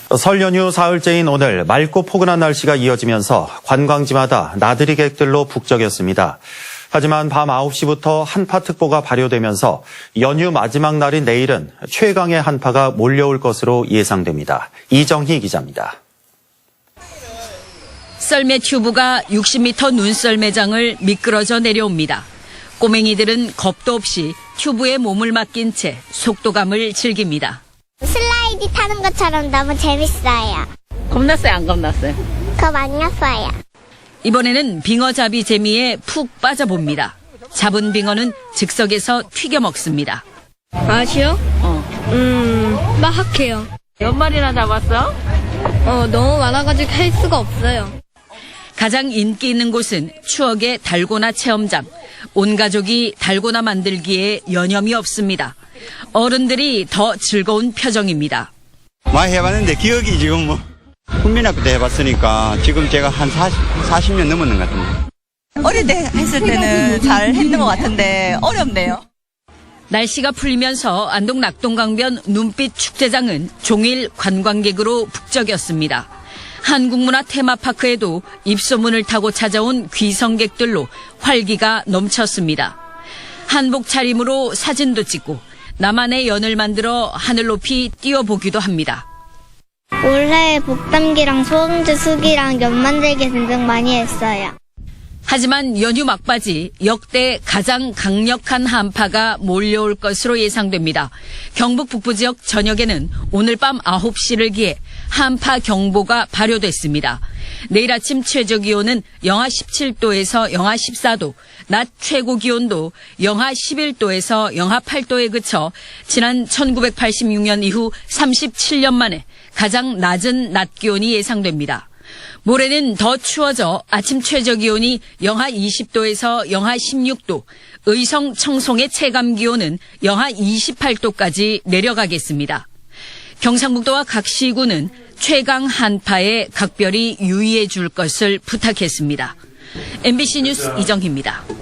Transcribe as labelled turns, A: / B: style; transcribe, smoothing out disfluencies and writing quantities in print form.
A: 설 연휴 사흘째인 오늘 맑고 포근한 날씨가 이어지면서 관광지마다 나들이 객들로 북적였습니다. 하지만 밤 9시부터 한파특보가 발효되면서 연휴 마지막 날인 내일은 최강의 한파가 몰려올 것으로 예상됩니다. 이정희 기자입니다.
B: 썰매 튜브가 60m 눈썰매장을 미끄러져 내려옵니다. 꼬맹이들은 겁도 없이 튜브에 몸을 맡긴 채 속도감을 즐깁니다.
C: 슬라이드 타는 것처럼 너무 재밌어요.
B: 겁났어요, 안 겁났어요?
C: 겁 안 났어요. 이번에는
B: 빙어잡이 재미에 푹 빠져봅니다. 잡은 빙어는 즉석에서 튀겨 먹습니다.
D: 맛이요? 맛학해요.
B: 몇 마리나 잡았어?
D: 너무 많아가지고 할 수가 없어요.
B: 가장 인기 있는 곳은 추억의 달고나 체험장. 온 가족이 달고나 만들기에 여념이 없습니다. 어른들이 더 즐거운 표정입니다.
E: 많이 해봤는데 기억이 지금 국민학교 때 해봤으니까 지금 제가 한 40년 넘었는 것 같은데.
F: 어릴 때 했을 때는 잘 했는 것 같은데 어렵네요.
B: 날씨가 풀리면서 안동 낙동강변 눈빛 축제장은 종일 관광객으로 북적였습니다. 한국문화 테마파크에도 입소문을 타고 찾아온 귀성객들로 활기가 넘쳤습니다. 한복 차림으로 사진도 찍고 나만의 연을 만들어 하늘 높이 띄워보기도 합니다.
C: 올해 복담기랑 소음제 수기랑 연 만들기 등등 많이 했어요.
B: 하지만 연휴 막바지 역대 가장 강력한 한파가 몰려올 것으로 예상됩니다. 경북 북부 지역 전역에는 오늘 밤 9시를 기해 한파 경보가 발효됐습니다. 내일 아침 최저 기온은 영하 17도에서 영하 14도, 낮 최고 기온도 영하 11도에서 영하 8도에 그쳐 지난 1986년 이후 37년 만에 가장 낮은 낮 기온이 예상됩니다. 모레는 더 추워져 아침 최저 기온이 영하 20도에서 영하 16도, 의성 청송의 체감 기온은 영하 28도까지 내려가겠습니다. 경상북도와 각 시군은 최강 한파에 각별히 유의해 줄 것을 부탁했습니다. MBC 뉴스 이정희입니다.